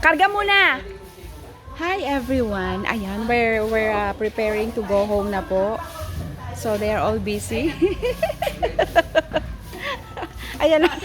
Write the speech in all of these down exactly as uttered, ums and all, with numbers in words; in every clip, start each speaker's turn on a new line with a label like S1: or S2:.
S1: Karga muna. Hi everyone. Ayan, we're, we're uh, preparing to go home na po. So they are all busy. Ayan na.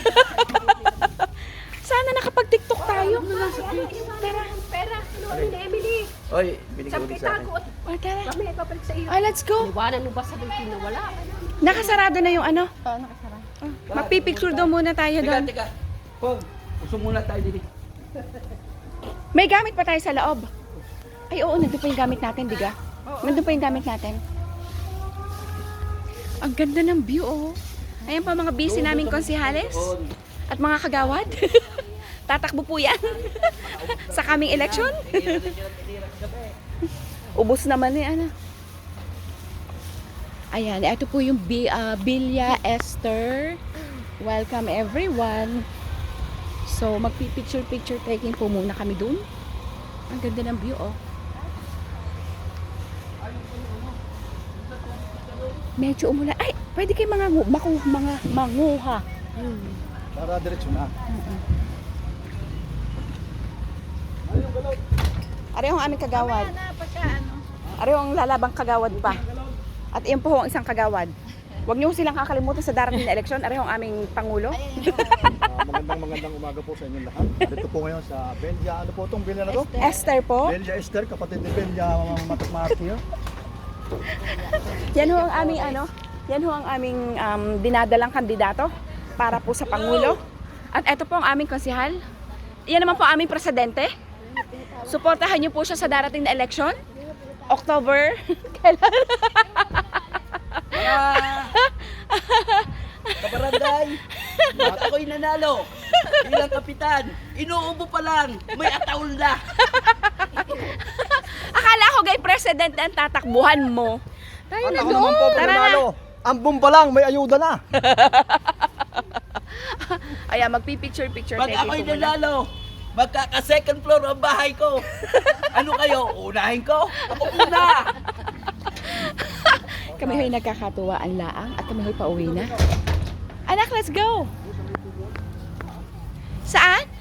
S1: Sana nakapag-tiktok tayo. Tara.
S2: Pera, ano ni Emily?
S3: Oy, binigay mo din sa akin.
S1: O, tara.
S2: Kami ipapalit sa iyo.
S1: Oh, let's go.
S2: Iwanan mo ba sa bulletin na wala?
S1: Nakasarado na yung ano.
S2: Oo, nakasara.
S1: Oh, magpipicture daw muna tayo
S3: Teka,
S1: doon.
S3: teka. Pog, usong muna tayo dito.
S1: May gamit pa tayo sa loob. Ay, oo, nandun pa yung gamit natin, diga? Nandun pa yung gamit natin. Ang ganda ng view, oh. Ayan pa mga busy naming konsihales at mga kagawad. Tatakbo po yan sa kaming eleksyon. Ubus naman ni ano. Ayan, ito po yung B, uh, Villa Esther. Welcome everyone. So, magpi-picture-picture taking po muna kami dun. Ang ganda ng view, oh. Medyo umulan. Ay, pwede kayo mga, maku, mga manguha.
S2: Hmm.
S3: Para diretso na.
S1: Areho ang aming kagawad.
S2: Ano pa siya, ano?
S1: Areho ang lalabang kagawad pa. At iyon po ang isang kagawad. Huwag niyo silang kakalimutan sa darating na eleksyon. Areho ang aming Pangulo.
S4: Uh, magandang magandang umaga po sa inyong lahat. Dito po ngayon sa Belgia. Ano po itong Belgia na to?
S1: Esther po.
S4: Belgia Esther, kapatid ni Belgia Matakmati.
S1: Yan ho ang aming ano, yan ho ang aming um, dinadalang kandidato para po sa Pangulo. At ito po ang aming konsihal. Yan naman po ang aming presidente. Suportahan niyo po siya sa darating na eleksyon. October. Kailan?
S3: Kabaranday, at ako'y nanalo bilang kapitan. Inuubo pa lang, may ataul na.
S1: Akala ko gay president ang tatakbuhan mo. Tayo
S4: At
S1: na
S4: ako
S1: doon.
S4: naman po,
S1: Tara na.
S4: panalo. Ang bomba lang, may ayuda na.
S1: Ayan, magpipicture-picture
S3: Pag
S1: taking
S3: ako'y
S1: po muna.
S3: nanalo, magkaka-second floor ang bahay ko. Ano kayo? Unahin ko? Ako una!
S1: Kami ho'y nagkakatuwaan laang at kami ho'y pauwi na. Anak, let's go! Saan?